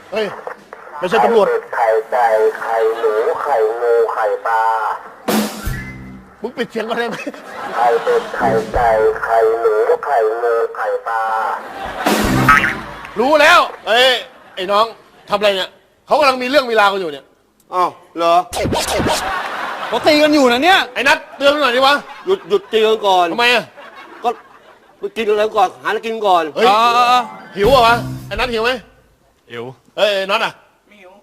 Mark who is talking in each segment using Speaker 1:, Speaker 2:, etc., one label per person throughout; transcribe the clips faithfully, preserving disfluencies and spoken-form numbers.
Speaker 1: เฮ้ยไม่ใช่ตำรวจ
Speaker 2: ไข่ไก่ไข่หนูไข่งูไข่ปลา
Speaker 1: มึงปิดเสียงก่อนได้ไหม
Speaker 2: ไข่เป็ดไข่ไก่ไข่หนูไข่งูไข่ปลา
Speaker 1: รู้แล้วเอ้ยไอ้น้องทำอะไรเนี่ยเขากำลังมีเรื่องมีราวกันอยู่เนี่ย
Speaker 3: อ้าวเหรอ
Speaker 4: เขาตีกันอยู่นะเนี่ย
Speaker 1: ไอ้นัทเตือนหน่อยดิวะ
Speaker 3: หยุดหยุดตีกันก่อน
Speaker 1: ทำไมอ่ะ
Speaker 3: ก็ไปกินอะไรก่อนหาอะไรกินก่อน
Speaker 1: เฮ้ยหิวเหรอวะไอ้นัทหิวไหม
Speaker 4: หิว
Speaker 1: เอ้ยน็อตอ่ะ
Speaker 4: ไม่หิว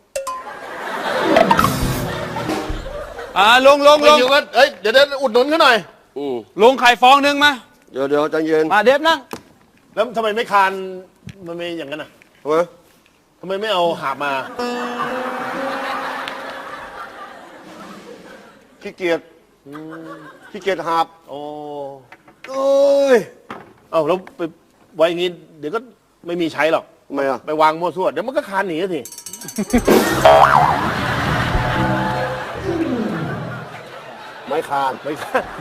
Speaker 4: อ่าลงลงลง
Speaker 1: หิวกันเอ้ยเดี๋ยวเดี๋ยวอุดหนุนเขาหน่อย
Speaker 4: ลงไข่ฟองนึงมา
Speaker 3: เดี๋ยวเดี๋ยวใจเย็น
Speaker 4: มาเดฟนั่ง
Speaker 1: แล้วทำไมไม่คานมันไม่อย่างนั้นอ่ะ
Speaker 3: ทำไม
Speaker 1: ทำไมไม่เอาหาบมา
Speaker 3: ขี้เกียจขี้เกียจหาบ
Speaker 1: โอ้
Speaker 3: เอ้ย
Speaker 1: เอ้าแล้วไปไว้อย่างงี้เดี๋ยวก็ไม่มีใช้หรอก
Speaker 3: ทำไมอ่ะ
Speaker 1: ไปวางมั่วซั่วเดี๋ยวมันก็คานหนีสิ
Speaker 3: ไม่คาน
Speaker 1: ไม่คาน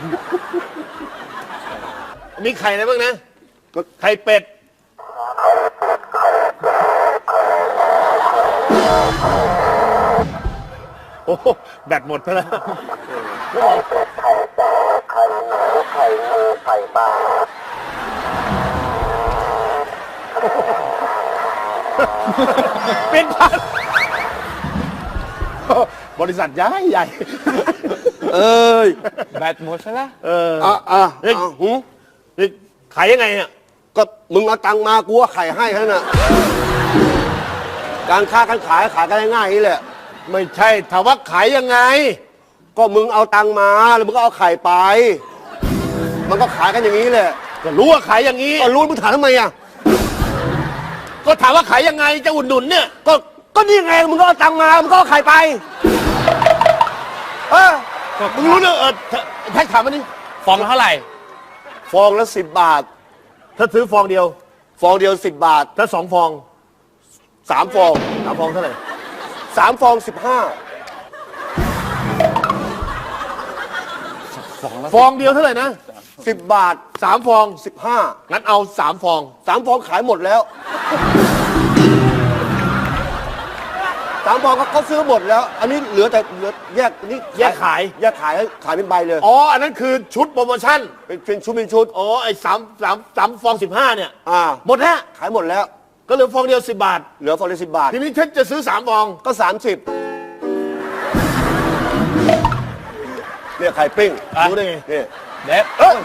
Speaker 1: มีไข่อะไรบ้างนะไข่เป็ดโอ้แบตหมดไปแล้ว
Speaker 2: ไข่เป็ดไข่ไก่ไข่หนูไข่งูไข่ปลา
Speaker 1: เป็นพันบริษัทใหญ่ใหญ่
Speaker 3: เอ้ย
Speaker 4: แบตหมดซะแล้ว
Speaker 1: เออ
Speaker 3: อ่ะอ่ะ
Speaker 1: เฮ้ยหูนี่ขายยังไงเนี่ย
Speaker 3: ก็มึงเอาตังมากูว่าไข่ให้แค่นั้นการค้าการขายขายกันง่ายๆนี่แหละ
Speaker 1: ไม่ใช่ถามว่าขายยังไง
Speaker 3: ก็มึงเอาตังมาแล้วมึงก็เอาไข่ไป มันก็ขายกันอย่างนี้แหละ
Speaker 1: ก็รู้ว่าขายอย่างนี้
Speaker 3: ก็รู้มึงถามทำไมอ่ะ
Speaker 1: ก็ถามว่าขายยังไงจะอุดหนุนเนี่ย
Speaker 3: ก็ก็นี่ไงมึงก็เอาตังมามึงก็เอาไข่ไปเออ
Speaker 1: มึงรู้เนอะเออแท็กถามมันนี่
Speaker 4: ฟองละเท่าไหร่
Speaker 3: ฟองละสิบบาท
Speaker 1: ถ้าซื้อฟองเดียว
Speaker 3: ฟองเดียวสิบบาท
Speaker 1: ถ้าสองฟอง
Speaker 3: สามฟอง
Speaker 1: สามฟองเท่าไหร่
Speaker 3: สามฟองสิบห้า
Speaker 1: ฟองเดียวเท่าไหร่นะ
Speaker 3: สิบบาท
Speaker 1: สามฟอง
Speaker 3: สิบห้า
Speaker 1: งั้นเอาสามฟอง
Speaker 3: สามฟองขายหมดแล้วสามฟองเขาซื้อหมดแล้วอันนี้เหลือแต่เหลือแยกนี่
Speaker 1: แยกขาย
Speaker 3: แยกขายขายเป็นใบเลย
Speaker 1: อ๋ออันนั้นคือชุดโปรโมชั่น
Speaker 3: เป็นเป็นชุดเป็นชุด
Speaker 1: อ๋อไอ้สามสามสามฟองสิบห้าเนี่ย
Speaker 3: อ่า
Speaker 1: หมดแล้ว
Speaker 3: ขายหมดแล้ว
Speaker 1: ก็เหลือฟองเดียวสิบบาท
Speaker 3: เหลือฟองเดียวสิบบาท
Speaker 1: ทีนี้ฉันจะซื้อสามฟอง
Speaker 3: ก็สามสิบเนี่ยไข่ปิ้ง
Speaker 1: รู้ได้ไง
Speaker 3: เนี่ย
Speaker 1: เด็ดเอ้ย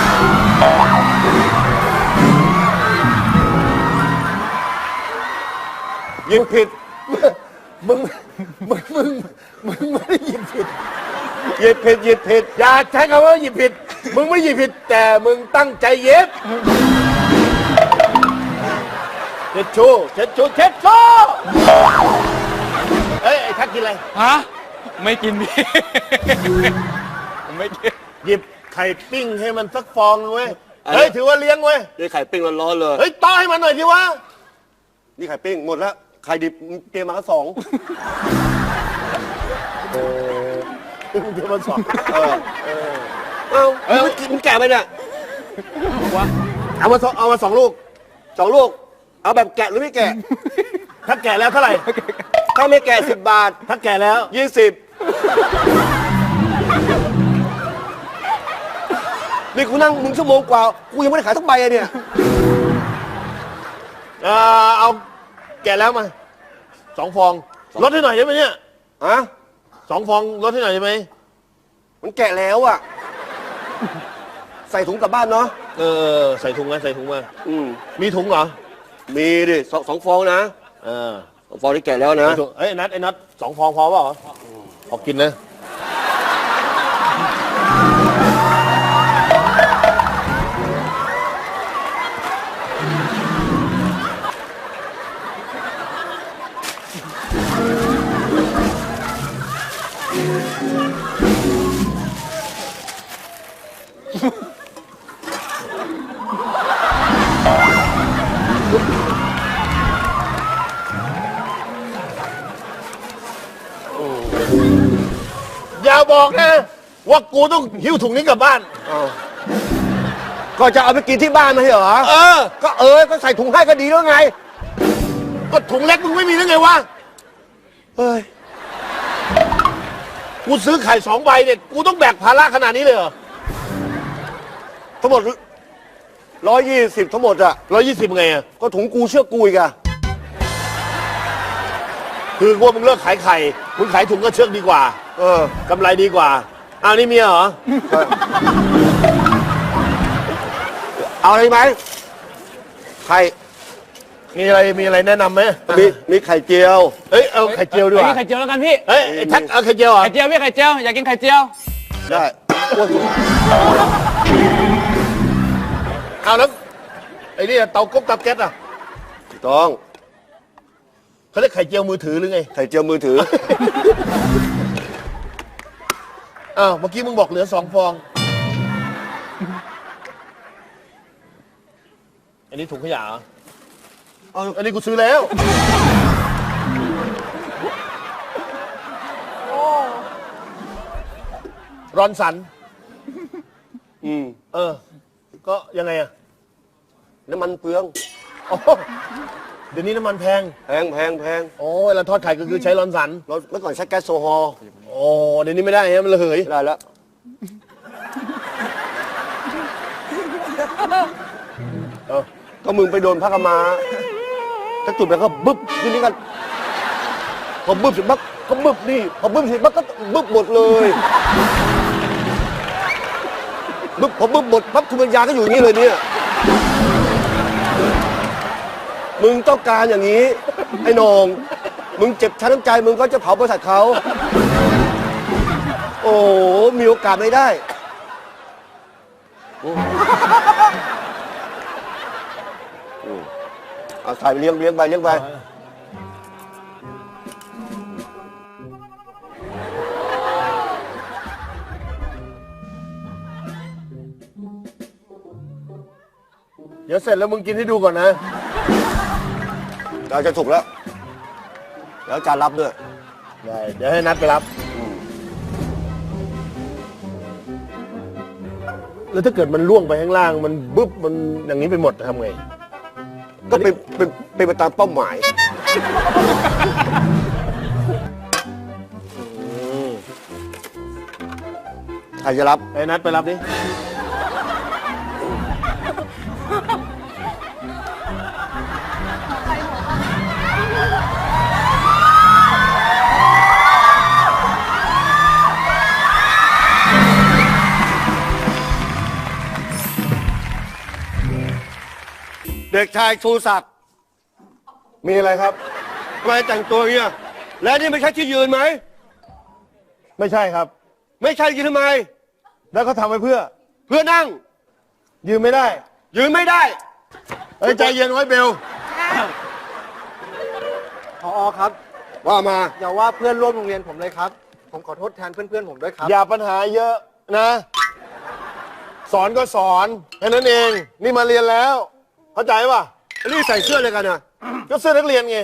Speaker 3: ยิงผิด
Speaker 1: มึงมึงมึงมึงไม่ได้ยิงผิด
Speaker 3: ยิงผิดยิงผิด
Speaker 1: อย่าใช้คำว่ายิงผิดมึงไม่ยิงผิดแต่มึงตั้งใจเย็บเช็ดชูเช็ดชูเช็ดชูเฮ้ยไอ้ทักกินอะไร
Speaker 4: ฮะไม่กินพี่ไม่กิน
Speaker 1: หยิบไข่ปิ้งให้มันสักฟองเว้ยเฮ้ยถือว่าเลี้ยงเว้ย
Speaker 3: นี่ไข่ปิ้งร้อนๆเลย
Speaker 1: เฮ้ยต้อให้มันหน่อยดิวะ
Speaker 3: นี่ไข่ปิ้งหมดแล้วไข่ดิบเตรียมมาสอง
Speaker 1: โอ้เตรียมมาสอง
Speaker 3: เออเออเอามึงกินแก่ไปเนี่ย
Speaker 1: เอามาสองเอามาสองลูก
Speaker 3: สองลูกเอาแบบแกะหรือไม่แกะ
Speaker 1: ถ้าแก่แล้วเท่าไหร่
Speaker 3: ถ้าไม่แกะสิบบาท
Speaker 1: ถ้าแก่แล้ว
Speaker 3: ยี่สิบนี่กูนั่งมึงชั่วโมงกว่ากูยังไม่ได้ขายทั้งใบเลยเนี่ย
Speaker 1: เออเอาแก่แล้วมาสองฟองลดให้หน่อยได้ไหมเนี่ย
Speaker 3: ฮะ
Speaker 1: สองฟองลดให้หน่อยได้ไหม
Speaker 3: มันแกะแล้วอ่ะใส่ถุงกลับบ้านเนาะ
Speaker 1: เออใส่ถุงมาใส่ถุงมา
Speaker 3: อืม
Speaker 1: มีถุงเหรอ
Speaker 3: มีดิสองสองฟองนะ
Speaker 1: เออ
Speaker 3: สองฟองที่แกะแล้วนะ
Speaker 1: เอ้ยนัดไอ้นัดสองฟองพอเปล่าพอกินนะอย่าบอกนะว่ากูต้องหิ้วถุงนี้กลับบ้าน
Speaker 3: ก็จะเอาไปกินที่บ้านไม่ใช่เหรอ
Speaker 1: เออ
Speaker 3: ก็เออก็ใส่ถุงให้ก็ดีแล้วไง
Speaker 1: ก็ถุงเล็กมึงไม่มีได้ไงวะ
Speaker 3: เฮ้ย
Speaker 1: กูซื้อไข่สองใบเนี่ย กูต้องแบกภาระขนาดนี้เลยเหรอ
Speaker 3: ทั้งหมดร้อยยี่สิบทั้งหมดอะ
Speaker 1: ร้อยยี่สิบไงอะ
Speaker 3: ก็ถุงกูเชื่อกูอีกอะ
Speaker 1: คือว่ามึงเลิกขายไข่ มึงขายถุงก็เชือกดีกว่า
Speaker 3: เออก
Speaker 1: ำไรดีกว่า อ้าวนี่เมียเหรอ
Speaker 3: เอาอะไรไหมไข่
Speaker 1: มีอะไร มีอะไรแนะนำไหม
Speaker 3: มีมีไข่เจียว
Speaker 1: เฮ้ย เอาไข่เจียวดีกว่า
Speaker 4: ไข่เจียวแล้วกันพี่
Speaker 1: เฮ้ยไอ้แท็กเอาไข่เจียวเหรอ
Speaker 4: ไข่เจียวพี่ไข่เจียวอยากกินไข่เจียว
Speaker 3: ได้โอ้ย
Speaker 1: เอาแล้วไอ้นี่เตาก๊กเตาแก๊สอ่ะ
Speaker 3: ถูกต้อง
Speaker 1: เขาเรียกไข่เจียวมือถือหรือไง
Speaker 3: ไข่เจียวมือถือ
Speaker 1: อ้าวเมื่อกี้มึงบอกเหลือสองฟอง อันนี้ถุงขยะเหรอ
Speaker 3: เอา
Speaker 1: อันนี้กูซื้อแล้วรอนสัน
Speaker 3: อืม
Speaker 1: เออ ก็ยังไงอะ
Speaker 3: น้ำมันเปลือง
Speaker 1: อ๋อเดี๋ยวนี้น้ำมันแพง
Speaker 3: แพงแพงแพง
Speaker 1: โอ้เวลาทอดไข่ก็คือใช้รอนสัน
Speaker 3: เราเมื่อก่อนใช้แก๊สโซฮอล์
Speaker 1: โอ้เดี๋ยวนี้ไม่ได้ฮะมันระเหย
Speaker 3: ไม่ได้แล้ว
Speaker 1: เออ
Speaker 3: ก็มึงไปโดนพระกมาถ้าจุดไปก็บึ๊บทีนี้กันพอบึ๊บเสร็จปั๊บก็บึ๊บนี่พอบึ๊บเสร็จปั๊บก็บึ๊บหมดเลยบึ๊บพอบึ๊บหมดปั๊บคุณปัญญาก็อยู่อย่างนี้เลยเนี่ยมึงต้องการอย่างนี้ไอ้โหนงมึงเจ็บช้ำน้ำใจมึงก็จะเผาบริษัทเขาโอ้มีโอกาสไม่ได้โอ้เอาใส่ไปเลี้ยงเลี้ยงไปเลี้ยงไป
Speaker 1: เดี๋ยวเสร็จแล้วมึงกินให้ดูก่อนนะ
Speaker 3: เราจะถูกแล้วแล้วจานรับด้วย
Speaker 1: ได้เดี๋ยวให้นัดไปรับ แล้วถ้าเกิดมันล่วงไปข้างล่าง มันบึ๊บมันอย่างนี้ไปหมดทำไง
Speaker 3: ก็เป็นเป็นเป็นไปตามเป้าหมายใครจะรับ
Speaker 1: ไอ้นัดไปรับดิ
Speaker 3: เด็กชายชูศักดิ์
Speaker 1: มีอะไรครับ
Speaker 3: ทำไมแต่งตัวอย่างเงี้ยและนี่ไม่ใช่ที่ยืนไหม
Speaker 1: ไม่ใช่ครับ
Speaker 3: ไม่ใช่ยืนทำไม
Speaker 1: แล้วเขาทำไว้เพื่อ
Speaker 3: เพื่อนั่ง
Speaker 1: ยืมไม่ได้
Speaker 3: ยืนไม่ได้
Speaker 1: เฮ้ยใจเย็นไว้เบล
Speaker 5: ผอครับ
Speaker 3: ว่ามา
Speaker 5: อย่าว่าเพื่อนร่วมโรงเรียนผมเลยครับ ผมขอโทษแทนเพื่อนๆผมด้วยครับ
Speaker 1: อย่าปัญหาเยอะนะ สอนก็สอนแค่นั้นเอง นี่มาเรียนแล้ว เข้าใจป่ะ
Speaker 3: นี่ใส่เสื้ออะไรกันอ่ะ
Speaker 1: ก็เสื้อนักเรียนไง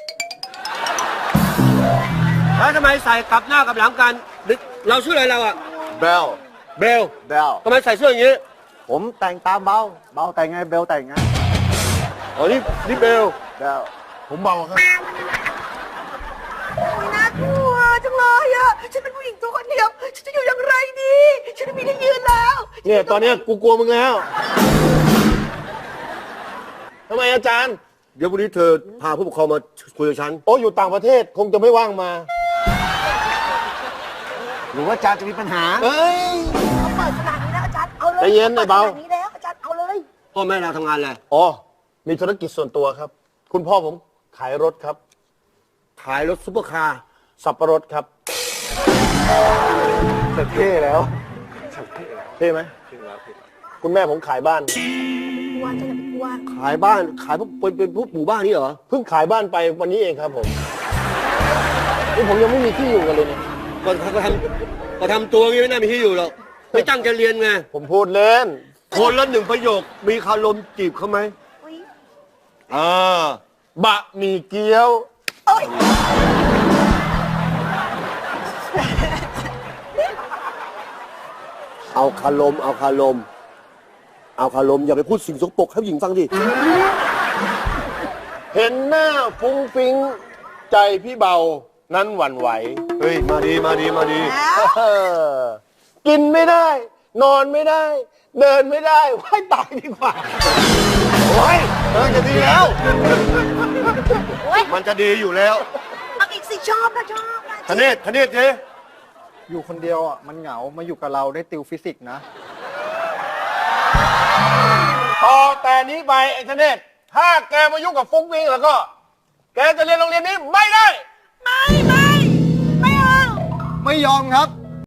Speaker 3: แล้วทำไมใส่กลับหน้ากลับหลังกัน เราชื่ออะไรเราอ่ะ
Speaker 1: เบล
Speaker 3: เบล
Speaker 5: เบล
Speaker 3: ทำไมใส่เสื้ออย่างนี้
Speaker 5: ผมแต่งตามเบา เบาแต่งไงเบลแต่งไง
Speaker 3: อ๋อนี่นี่เบล
Speaker 5: เบล
Speaker 1: ผมเบาครับ
Speaker 6: น่ากลัวจังเลยอ่ะ ฉันเป็นผู้หญิงตัวคนเดียว ฉันจะอยู่อย่างไรดี ฉันไม่มีที่ยืนแล้ว
Speaker 1: เนี่ยตอนเนี้ยกูกลัวมึงแล้ว ทำไมอาจารย์
Speaker 3: เดี๋ยววันนี้เธอพาผู้ปกครองมาคุยกับฉัน
Speaker 1: โอ้อยู่ต่างประเทศคงจะไม่ว่างมา
Speaker 5: หรือว่าจารย์จะมีปัญหา
Speaker 1: เอ้ย
Speaker 6: เขาเปิดขนาดนี้แล้วอาจารย์เอาเลย
Speaker 1: ใจเย็นไอ้เบา
Speaker 6: ขนาดนี้แล้วอาจารย์เอาเลย
Speaker 3: พ่อแม่เราทำงานอะไร
Speaker 1: อ๋อ มีธุรกิจส่วนตัวครับ คุณพ่อผมขายรถครับ
Speaker 3: ขายรถซุปเปอร์คาร์
Speaker 1: สับปะรดครับ
Speaker 5: เท่แล้ว
Speaker 1: เท่ไหมคุณแม่ผมขายบ้าน
Speaker 6: กลัวจะอย่าไปกลัว
Speaker 3: ขายบ้านขายพวกเป็นเป็นพวกหมู่บ้านนี่เหรอ
Speaker 1: เพิ่งขายบ้านไปวันนี้เองครับผม นี่ผมยังไม่มีที่อยู่กันเลยเนี่ย
Speaker 3: ก็ก็ทำก็ทำตัวอย่างนี้ไม่น่ามีที่อยู่หรอกไม่ตั้งใจเรียนไง
Speaker 1: ผมพูดเล่น
Speaker 3: คนละหนึ่งประโยค มีคารมจีบเขาไหม
Speaker 6: อุ๊ย
Speaker 3: อ่า
Speaker 1: บะหมี่เกี๊ยว
Speaker 6: โอ๊ย
Speaker 3: เอาคารม เอาคารม เอาคารม อย่าไปพูดสิ่งสกปรกให้ผู้หญิงฟังดิ
Speaker 1: เห็นหน้าฟุ้งฟิ้งใจพี่เบานั้นหวั่นไหว
Speaker 3: เฮ้ย มาดีมาดีมาดี
Speaker 1: เออกินไม่ได้ นอนไม่ได้ เดินไม่ได้ว่ายตายดีกว่า
Speaker 3: โอ้ยเออจะดีแล้ว
Speaker 6: โอ๊ย
Speaker 3: มันจะดีอยู่แล้ว
Speaker 6: เอาอีกสิชอบนะชอบนะ
Speaker 3: ธเนศธเนศเจ๊
Speaker 5: อยู่คนเดียวอ่ะมันเหงา มาอยู่กับเราได้ติวฟิสิกส์นะ
Speaker 1: ต่อแต่นี้ไปไอ้ธเนศถ้าแกมายุ่งกับฟุ้งฟิ้งแล้วก็ แกจะเรียนโรงเรียนนี้ไม่ได้
Speaker 6: ไม่ไม่ไม่เอา
Speaker 5: ไม่ยอมครับ